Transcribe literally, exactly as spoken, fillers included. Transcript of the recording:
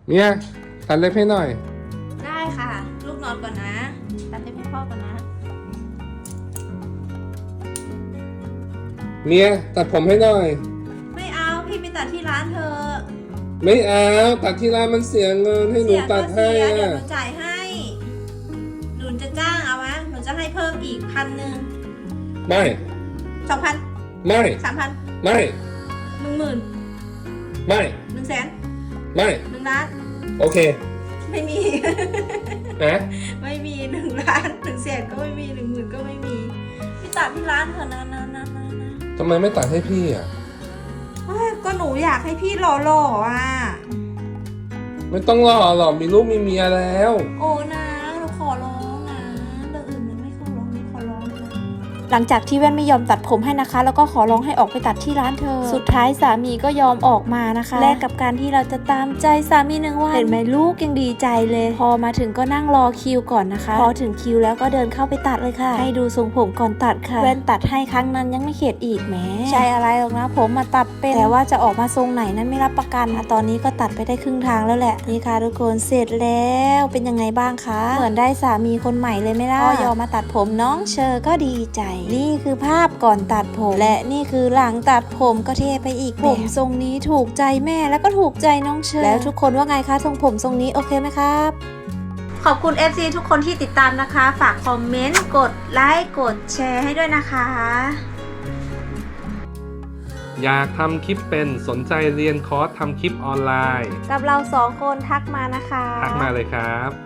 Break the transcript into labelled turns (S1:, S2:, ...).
S1: เมียตัดเล็บให้หน่อย
S2: ได้ค่ะลูกนอนก่อนนะตัดเล็บให้พ่อก่อนนะ
S1: เมียตัดผมให้หน่อย
S2: ไม่เอาพี่ไปตัดที่ร้านเธอ
S1: ไม่เอาตัดที่ร้านมันเสียเงินให้หนูตัดให้
S2: เดี๋ยวห
S1: อ่ะ
S2: นูจ่ายให้หนูจะจ้างเอาไหมหนูจะให้เพิ่มอีกพันหนึ่ง
S1: ไม่
S2: สองพัน
S1: ไม่
S2: สามพัน
S1: ไม่
S2: หนึ่งหมื่น
S1: ไม่
S2: หนึ่งแสน
S1: ไม่
S2: หนึ่งล้าน
S1: โอเค
S2: ไม่มี
S1: นะ
S2: ไม่มีหนึ่งล้านหนึ่งแสนก็ไม่มีหนึ่งหมื่นก็ไม่มีพี่ตัดที่ร้านเถอะนะนะนะนะนะ
S1: ทำไมไม่ตัดให้พี่อ่ะ
S2: ก็หนูอยากให้พี่หล่อๆอ่ะ
S1: ไม่ต้องรอหรอกมีลูกมีเมียแล้ว
S2: โอ้นะหนูขอร้องนะเรื่องอื่นมันไม่ขอร้องขอร้องเลย
S3: หลังจากที่แว่นไม่ยอมตัดผมให้นะคะแล้วก็ขอร้องให้ออกไปตัดที่ร้านเธอสุดท้ายสามีก็ยอมออกมานะคะแลกกับการที่เราจะตามใจสามีหนึ่งวันเห็นไหมลูกยังดีใจเลยพอมาถึงก็นั่งรอคิวก่อนนะคะพอถึงคิวแล้วก็เดินเข้าไปตัดเลยค่ะให้ดูทรงผมก่อนตัดค่ะแว่นตัดให้ครั้งนั้นยังไม่เข็ดอีกแหมใช่อะไรหรอกนะผมมาตัดเป็นแต่ว่าจะออกมาทรงไหนนั้นไม่รับประกันตอนนี้ก็ตัดไปได้ครึ่งทางแล้วแหละนี่ค่ะทุกคนเสร็จแล้วเป็นยังไงบ้างคะเหมือนได้สามีคนใหม่เลยไหมล่ะพอยอมมาตัดผมน้องเชอก็ดีใจนี่คือภาพก่อนตัดผมและนี่คือหลังตัดผมก็เท่ไปอีกแบบผมทรงนี้ถูกใจแม่แล้วก็ถูกใจน้องเชอแล้วทุกคนว่าไงคะทรงผมทรงนี้โอเคไหมครับขอบคุณ เอฟ ซี ทุกคนที่ติดตามนะคะฝากคอมเมนต์กดไลค์กดแชร์ให้ด้วยนะคะ
S1: อยากทำคลิปเป็นสนใจเรียนคอร์สทำคลิปออนไลน์
S3: กับเราสองคนทักมานะคะ
S1: ทักมาเลยครับ